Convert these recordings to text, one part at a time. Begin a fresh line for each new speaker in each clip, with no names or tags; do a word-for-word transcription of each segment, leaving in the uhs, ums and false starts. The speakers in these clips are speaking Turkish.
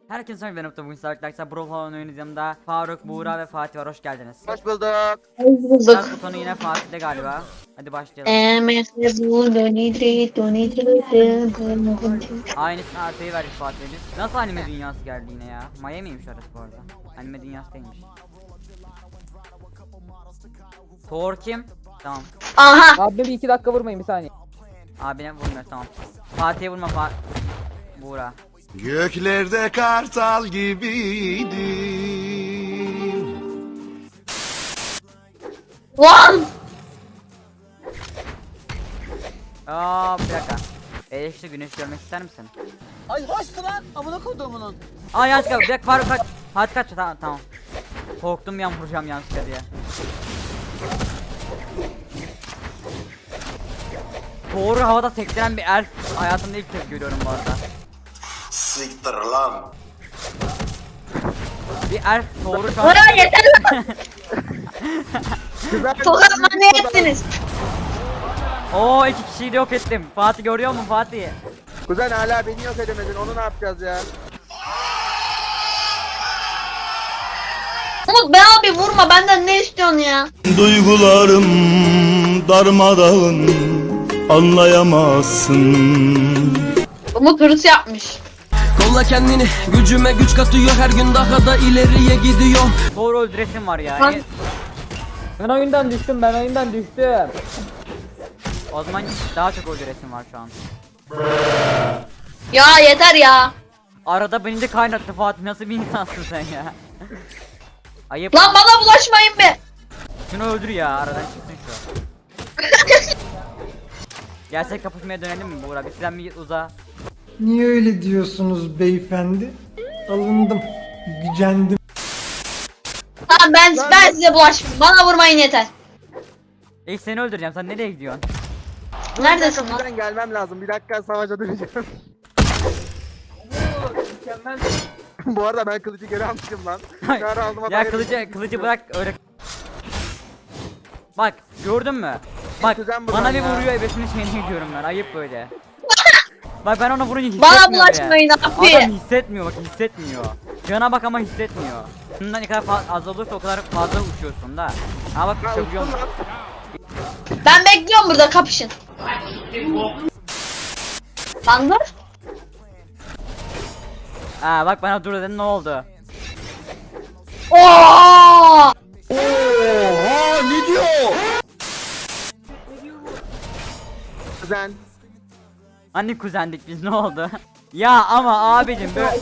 Herkese selam, ben Utku. Bugün Stark'ta Brawl falan oynuyoruz. Yanımda Faruk, Buğra ve Fatih var. Hoş geldiniz.
Hoş bulduk.
Start
Bulduk.
butonu yine Fatih'te galiba. Hadi başlayalım.
Emekli dönidri dönidri
Aynısını artıyı verdik Fatih'e biz. Nasıl anime dünyası geldi yine ya? Miami'ymiş orası bu arada. Anime dünyası değilmiş. Thor kim? Tamam.
Aha.
Abi bir iki dakika vurmayın bir saniye.
Abine vurmuyor, tamam. Fatih'e vurma Fa Buğra.
Göklerde kartal gibiydim.
Lan.
Aa, bir dakika. Eleşti güneş görmek ister misin?
Ay hoştu lan amına koduğumunun.
Aa, yanlışlıkla bir dakika, Faruk kaç. Fatih kaç, tamam tamam. Korktum yan vuracağım yanlışlıkla diye. Doğru havada sektiren bir elf hayatımda ilk kez görüyorum bu arada.
Siktir lan.
Bir elf doğru şu an.
Bora yeter lan. Tokat ne ettiniz?
Oo, iki kişiyi de yok ettim. Fatih görüyor musun Fatih?
Kuzen hala beni yok edemedin, onu ne yapacağız ya?
Umut be abi vurma, benden ne istiyorsun ya?
Duygularım darmadağın, anlayamazsın.
Umut hırs yapmış.
Kolla kendini, gücüme güç katıyor, her gün daha da ileriye gidiyor.
Doğru öldüresim var ya.
Lan.
E,
Ben oyundan düştüm ben oyundan düştüm.
O zaman daha çok öldüresim var şu an.
Ya yeter ya.
Arada beni de kaynattı Fatih, nasıl bir insansın sen ya? Ayıp.
Lan bana bulaşmayın be.
Şunu öldür ya, aradan çıksın şu. Gerçek kapışmaya dönelim mi Buğra? Bir sizden bir uza.
Niye öyle diyorsunuz beyefendi? Alındım, gücendim.
Tamam ben ben size bulaşmayayım. Bana vurmayın yeter.
İlk seni öldüreceğim, sen nereye gidiyorsun?
Neredesin lan?
Kuzen gelmem lazım, bir dakika savaşa döneceğim. Bu arada ben kılıcı geri almışım lan. Kar aldıma
Ya
dair-
kılıcı kılıcı bırak öyle. Bak gördün mü? Bak
Kuzen buradan
bana bir
ya.
vuruyor, ebesini şeyini gidiyorum ben, ayıp böyle. Bak ben ona vurunca hissetmiyor
Bana
bile.
bulaşmayın abi.
Adam hissetmiyor, bak hissetmiyor. Cana bak ama hissetmiyor. Bundan ne kadar fa- az olursa o kadar fazla uçuyorsun da. Ama bak
Ha,
uçabiliyor
uçtum
musun?
lan.
Ben bekliyorum burada, kapışın. Lan dur.
Ha bak bana dur dedin, ne oldu?
Oo!
Kuzen.
Hani kuzendik biz, ne oldu? Ya ama abicim böyle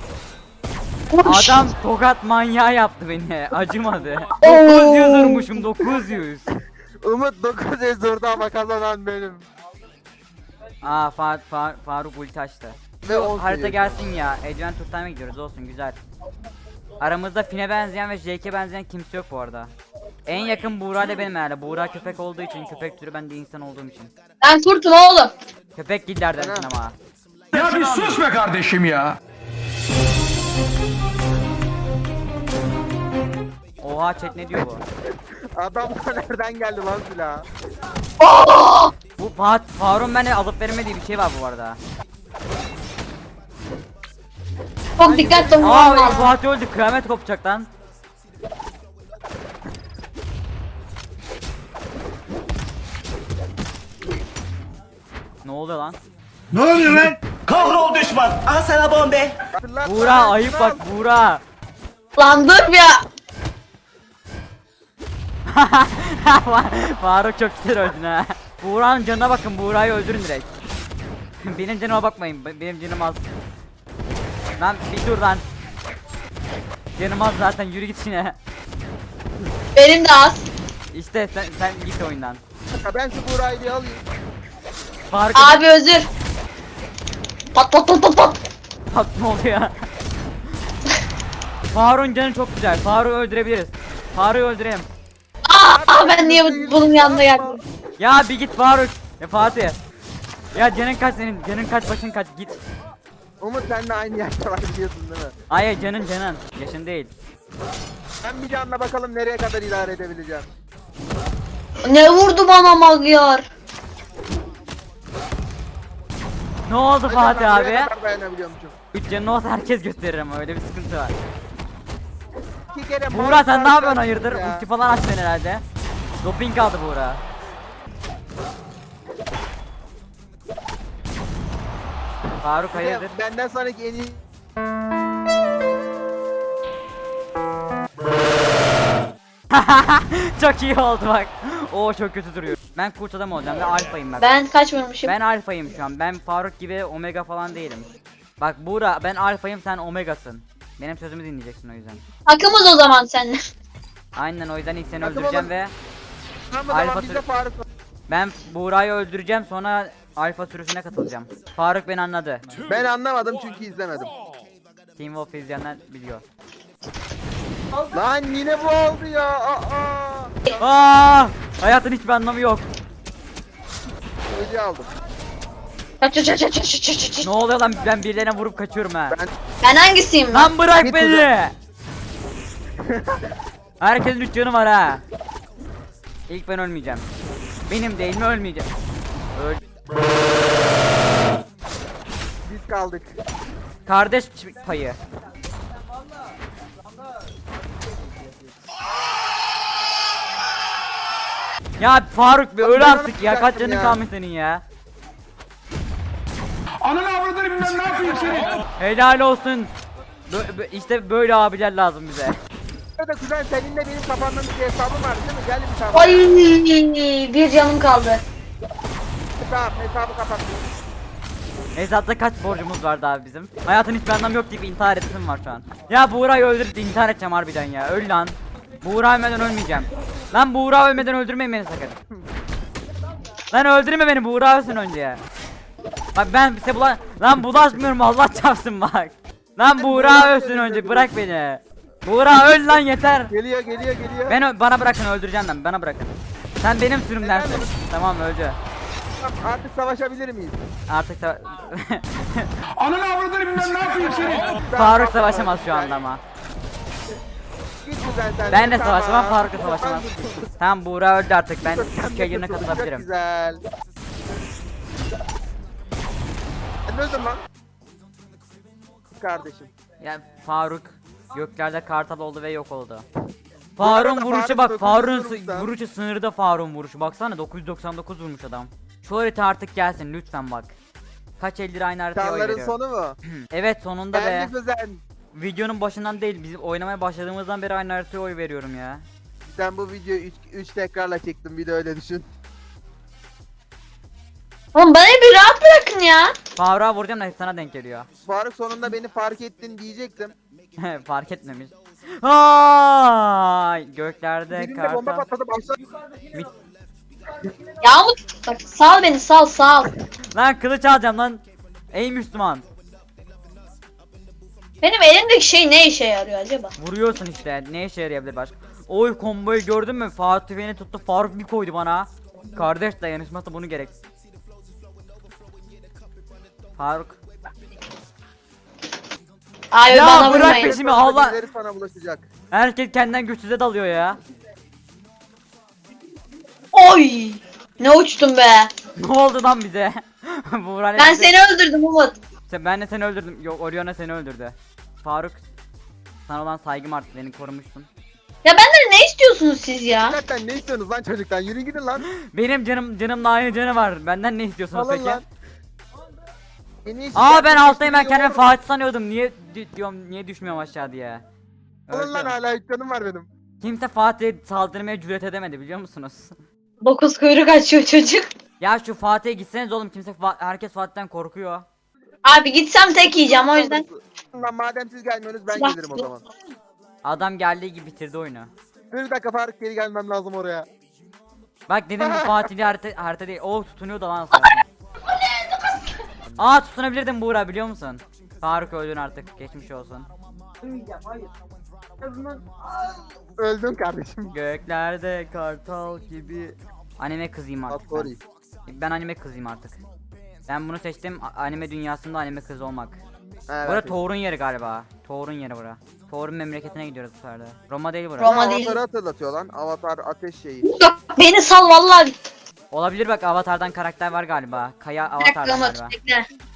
adam tokat manyağı yaptı beni, acımadı. dokuz yüz vurmuşum, dokuz yüz.
Umut dokuz yüz durdu ama kazanan benim.
Aa Fa Fa Faruk ulti açtı.
Ve on
Harita
seviyor.
gelsin ya. Adventure Time'a gidiyoruz, olsun güzel. Aramızda Finn'e benzeyen ve Jake'e benzeyen kimse yok bu arada. En yakın Buğra ile benim herhalde. Buğra köpek olduğu için, köpek türü, ben de insan olduğum için.
Ben kurtum oğlum.
Köpek gillerden ama.
Ya bir sus be kardeşim ya.
Oha chat, ne diyor bu?
Adam nereden geldi lan silah?
Bu Fat Faruk'un bana alıp vermediği bir şey var bu arada.
Çok dikkatli olmam
Aa
lazım.
Fatih öldü, kıyamet kopacak lan. Ne oluyor lan?
Ne oluyor lan?
Kahrol düşman, al sana bombe.
Hatırlat
Buğra
lan,
ayıp
lan.
bak Buğra.
Lan dur ya.
Faruk çok güzel öldün ha. Buğra'nın canına bakın, Buğra'yı öldürün direkt. Benim canıma bakmayın, be- benim canım az. Lan bir dur lan. Canım az zaten, yürü git yine.
Benim de az.
İşte sen, sen git oyundan.
Ha, ben şu Buğra'yı bir alayım.
Faruk
Abi özür. Pat pat pat pat pat.
bak ne oluyor? Faruk'un canı çok güzel. Faruk'u öldürebiliriz. Faruk'u öldürelim.
Aa ben niye bu- bunun yanına geldim?
Ya bir git Faruk. Ya Fatih. Ya canın kaç senin? Canın kaç, başın kaç, git.
Umut sen de aynı yaşta var biliyorsun değil mi?
Hayır canın canın. Yaşın değil.
Ben bir canla bakalım nereye kadar idare edebileceğim.
Ne vurdu bana Magyar?
Ne oldu Fatih abi?
Ne kadar dayanabiliyormuşum.
üç canın olsa herkes gösterir ama öyle bir sıkıntı var.
İki kere
Buğra sen ne
marka
yapıyorsun hayırdır?
ya.
Ulti falan açtın herhalde. Doping aldı Buğra. Faruk hayırdır?
Benden sonraki en iyi
Çok iyi oldu bak. Oo çok kötü duruyor. Ben kurt adam olacağım ve alfayım bak.
Ben kaç vurmuşum?
Ben alfayım şu an. Ben Faruk gibi omega falan değilim. Bak Buğra ben alfayım sen omegasın. Benim sözümü dinleyeceksin o yüzden.
Takımız o zaman seninle.
Aynen o yüzden ilk seni
Takım
öldüreceğim
olun.
ve
Tamam o
Alfa
zaman biz de
sürü-
Faruk.
ben Buğra'yı öldüreceğim sonra alfa sürüsüne katılacağım. Faruk beni anladı.
Ben anlamadım çünkü izlemedim.
Team Wolf izleyenler biliyor.
Lan yine bu oldu ya. Aa.
Aa! Hayatın hiçbir anlamı yok.
Ödü aldım.
Kaç kaç kaç kaç kaç kaç kaç.
Ne oluyor lan ben birilerine vurup kaçıyorum ha.
Ben
Ben hangisiyim lan?
Lan bırak
Git
beni. Herkesin üç canı var ha. İlk ben ölmeyeceğim. Benim değil mi ölmeyeceğim. Öl.
biz kaldık.
Kardeş payı. Ya Faruk bir öl
ben
artık ya, kaç
olacaktım
canın
ya.
kalmış senin ya.
Ananı avradını bilmem ne yapayım seni.
Helal olsun. Bö bö- işte böyle abiler lazım bize.
Burada kuzen seninle benim kafamdan bir hesabım var değil mi? Gel bir tane.
Ay bir canım kaldı.
Tamam hesabı kapattım.
Hesapta kaç borcumuz vardı abi bizim? Hayatın hiçbir anlamı yok deyip intihar ettim var şu an. Ya Buğra'yı öldürüp intihar edeceğim harbiden ya. Öl lan. Buğra ölmeden ölmeyeceğim. Lan Buğra ölmeden öldürmeyin beni sakın. Lan öldürme beni, Buğra ölsün önce ya. Bak ben size bula lan bulaşmıyorum, Allah çarpsın bak. Lan Buğra ölsün önce, bırak beni. Buğra öl lan yeter.
Geliyor geliyor geliyor.
Ben ö- bana bırakın, öldüreceğim lan, bana bırakın. Sen benim sürümdensin. Tamam öldü.
Tamam, artık savaşabilir miyiz?
Artık sa-
Ananı avradını bilmem ne yapayım seni.
Faruk savaşamaz şu anda ama.
Git kuzen sen.
Ben de
Tamam.
savaşamam, Faruk da savaşamaz. Tamam Buğra öldü artık, ben
Sen
Türkiye yerine
de çok
katılabilirim.
güzel. Ben öldüm lan. Kardeşim.
Ya Faruk göklerde kartal oldu ve yok oldu.
arada
Faruk'un vuruşu
Faruk
bak,
dokuz yüz
Faruk'un
vurmuşlar.
vuruşu sınırda, Faruk'un vuruşu baksana, dokuz yüz doksan dokuz vurmuş adam. Şu harita artık gelsin lütfen bak. Kaç eldir aynı haritaya oy
Çağların
veriyor.
sonu mu?
Evet sonunda be.
Ben de kuzen.
Videonun başından değil, bizim oynamaya başladığımızdan beri aynı haritaya oy veriyorum ya.
Sen bu videoyu üç tekrarla çektim bir de öyle düşün.
Oğlum bana bir rahat bırakın ya.
Faruk'a vuracağım da sana denk geliyor.
Faruk sonunda beni fark ettin diyecektim.
Fark etmemiş. Ay göklerde
Birinde bomba
kartal.
patladı başladı.
Mit-
Yağmur bak sal beni sal sal.
Lan kılıç alacağım lan. Ey Müslüman.
Benim elimdeki şey ne işe yarıyor acaba?
Vuruyorsun işte. Ne işe yarayabilir başka? Oy komboyu gördün mü? Fatih beni tuttu. Faruk bir koydu bana. Kardeş dayanışması bunu gerek. Faruk.
Ay
Ya
bana
bırak
vurmayın.
peşimi Allah.
Birileri sana bulaşacak.
Herkes kendinden güçsüze dalıyor ya.
Oy! Ne uçtum be.
Ne oldu lan bize? Buğra ne
Ben
bize-
seni öldürdüm Umut.
Sen- Ben de seni öldürdüm. Yok Oriona seni öldürdü. Faruk. Sana olan saygım arttı. Beni korumuştun.
Ya benden ne istiyorsunuz siz ya?
Zaten ne istiyorsunuz lan çocuktan? Yürüyün gidin lan.
Benim canım canımla aynı canı var. Benden ne istiyorsunuz
Alın
peki?
lan. Beni hiç
Aa ben
şikayet
alttayım, ben
etmiyor.
kendimi Fatih sanıyordum. Niye di- diyorum niye düşmüyorum aşağı diye.
Alın lan
Öldüm.
hala üç canım var benim.
Kimse Fatih'e saldırmaya cüret edemedi biliyor musunuz?
Dokuz kuyruk açıyor çocuk.
Ya şu Fatih'e gitseniz oğlum, kimse Fa- herkes Fatih'ten korkuyor.
Abi gitsem tek yiyeceğim o yüzden.
Lan madem siz gelmiyorsunuz ben
Bak.
gelirim o zaman.
Adam geldiği gibi bitirdi oyunu.
Dur bir dakika Faruk geri gelmem lazım oraya.
Bak dedim bu Fatih'li harita, harita değil. Oo tutunuyor da lan Fatih. Aa tutunabilirdim Buğra biliyor musun? Faruk öldün artık, geçmiş olsun.
Öldün kardeşim.
Göklerde kartal gibi. Anime kızıyım artık ben.
Sorry.
Ben anime kızıyım artık. Ben bunu seçtim, a- anime dünyasında anime kız olmak.
Evet.
Bura Thor'un yeri galiba. Thor'un yeri bura. Thor'un memleketine gidiyoruz bu sefer de. Roma değil bura.
Roma
Avatar'ı
değil.
hatırlatıyor lan. Avatar ateş şeyi.
Yok, beni sal vallahi.
Olabilir bak, Avatar'dan karakter var galiba. Kaya
Bir dakika
Avatar'dan
Umut
galiba.
bekle.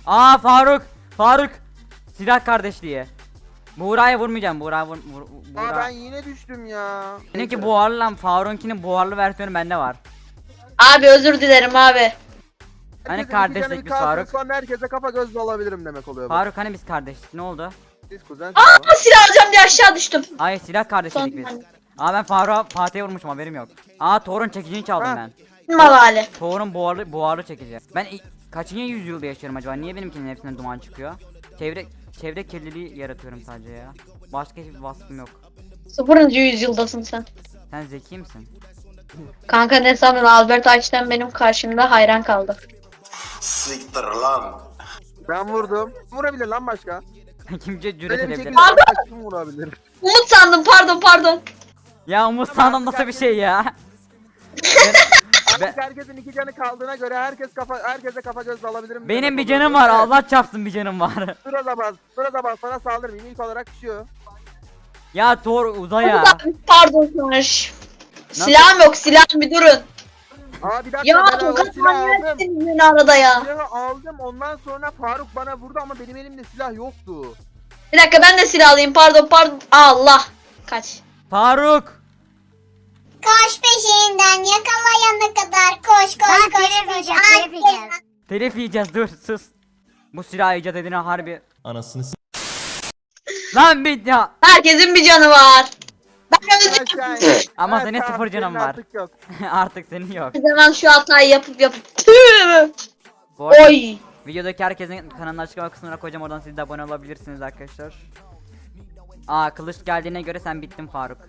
Aa Faruk. Faruk. Silah kardeşliği. Buğra'ya vurmayacağım. Buğra vur, vur,
Aa
Buğra.
ben yine düştüm ya.
Benimki buharlı lan. Faruk'unkinin buharlı versiyonu bende var.
Abi özür dilerim abi.
Hani
Herkesin iki
kardeşlik
canı bir
biz
kalsın,
Faruk?
Sonra herkese kafa göz olabilirim demek oluyor bu.
Faruk hani biz kardeşlik ne oldu?
Siz kuzen.
Aa silah alacağım diye aşağı düştüm.
Ay silah kardeşlik biz.
Son-
Aa ben Faruk'a Fatih'e vurmuşum haberim yok. Aa Thor'un çekicini çaldım
Ha.
ben.
Mal hali.
Thor'un buharlı buharlı çekici. Ben i- kaçıncı yüzyılda yaşıyorum acaba? Niye benimkinin hepsinden duman çıkıyor? Çevre çevre kirliliği yaratıyorum sadece ya. Başka hiçbir vasfım yok.
Sıfırıncı yüzyıldasın sen.
Sen zeki misin?
Kanka ne sandın, Albert Einstein benim karşımda hayran kaldı.
Siktir lan.
Ben vurdum. Vurabilir lan başka.
Kimce cüret
Böyle bir
edebilir?
şekilde başka kim vurabilir?
Umut sandım, pardon pardon.
Ya Umut sandım nasıl bir şey ya? Ben-
Artık herkesin iki canı kaldığına göre herkes kafa herkese kafa göz alabilirim.
Benim
demek
bir
oluyor.
canım var.
Evet.
Allah çarpsın bir canım var.
Şurada bas. Şurada bas. Sana saldırmayayım. İlk olarak düşüyor.
Ya Thor uza ya.
Pardon Sonuç. Silahım yok, silahım bir durun.
Aa bir dakika.
Ya
ben o
tokat
silahı aldım.
manyaksınız beni arada ya.
Silahı aldım. Ondan sonra Faruk bana vurdu ama benim elimde silah yoktu.
Bir dakika ben de silah alayım, pardon pardon. Allah. Kaç.
Faruk.
Koş peşinden yakalayana kadar koş koş koş koş. Telef yiyeceğiz.
Telif yiyeceğiz dur sus. Bu silah icat edine harbi.
Anasını s-
Lan bir ya.
Herkesin bir canı var. Ben özür
Aşağı in.
Ama
Evet,
senin
tamam,
sıfır canın
senin
var.
artık yok.
Artık senin yok.
dilerim şu hatayı yapıp yapıp. Tüh.
Bu arada
Oy.
videodaki herkesin kanalına açıklama kısmına koyacağım, oradan siz de abone olabilirsiniz arkadaşlar. Aa kılıç geldiğine göre sen bittin Faruk.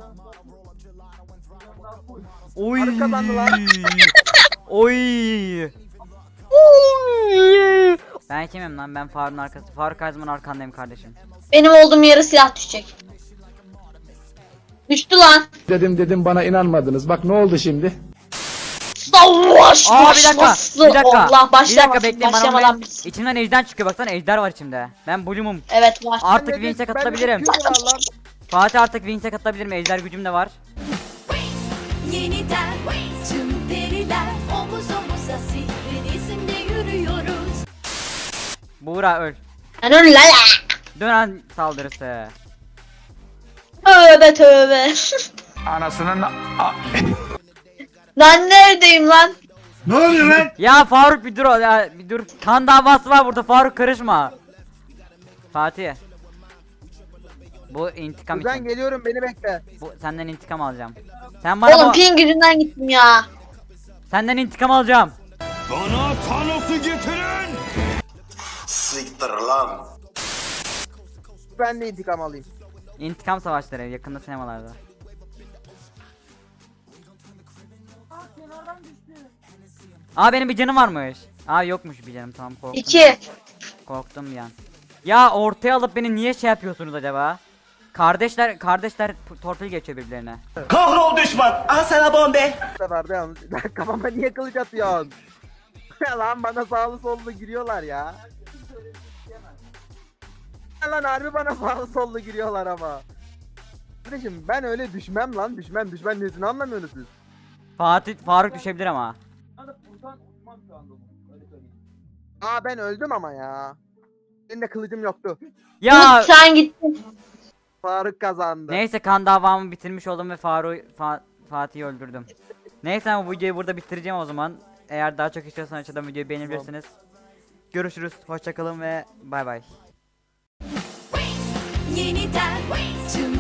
Oy.
Faruk kazandı lan.
Oy. Ben kimim lan? Ben Faruk'un arkası. Faruk her zaman arkandayım kardeşim.
Benim olduğum yere silah düşecek. Düştü lan.
Dedim dedim bana inanmadınız. Bak ne oldu şimdi?
Savaş
Aa bir dakika.
başlasın.
Bir dakika.
Allah
bir
başlama.
dakika bekleyin bana.
Başlamadan
onu-
biz.
İçinden ejder çıkıyor, baksana ejder var içimde. Ben Bloom'um.
Evet var.
Artık
Ben de-
Vince'e
ben de
katılabilirim.
gücü var lan.
Fatih artık Vince'e katılabilirim. Ejder gücüm de var.
Yeniden tüm periler omuz omuza sihrin izinde yürüyoruz.
Buğra öl.
Ben öyle la.
Dönen saldırısı.
Tövbe tövbe.
Anasının
Ben neredeyim lan?
Ne oluyor lan?
Ya Faruk bir dur o- ya bir dur. Kan davası var burada, Faruk karışma. Fatih. Bu intikam
Kuzen
için.
geliyorum beni bekle.
Bu senden intikam alacağım. Sen bana
Oğlum
bu-
ping gücünden gittim ya.
senden intikam alacağım.
Bana Thanos'u getirin. Siktir lan.
Ben de intikam alayım.
İntikam savaşları yakında sinemalarda. Aa benim bir canım varmış. Aa yokmuş bir canım, tamam korktum.
İki.
Korktum bir an. Ya ortaya alıp beni niye şey yapıyorsunuz acaba? Kardeşler kardeşler p- torpil geçiyor birbirlerine.
Kahrol düşman. Al sana bombe.
Bu sefer de yalnız. Kafama niye kılıç atıyorsun? Ya lan bana sağlı sollu giriyorlar ya. Ya lan harbi bana sağlı sollu giriyorlar ama. Kardeşim ben öyle düşmem lan, düşmem düşmem nesini anlamıyorsunuz siz.
Fatih Faruk düşebilir ama.
Aa ben öldüm ama ya. Benim de kılıcım yoktu.
Ya
Umut sen gittin.
Faruk kazandı.
neyse kan davamı bitirmiş oldum ve Faruk Fa- Fatih'i öldürdüm. Neyse bu videoyu burada bitireceğim o zaman. Eğer daha çok istiyorsanız aşağıdan videoyu beğenebilirsiniz. Görüşürüz. Hoşçakalın ve bay bay.
Yeniden tüm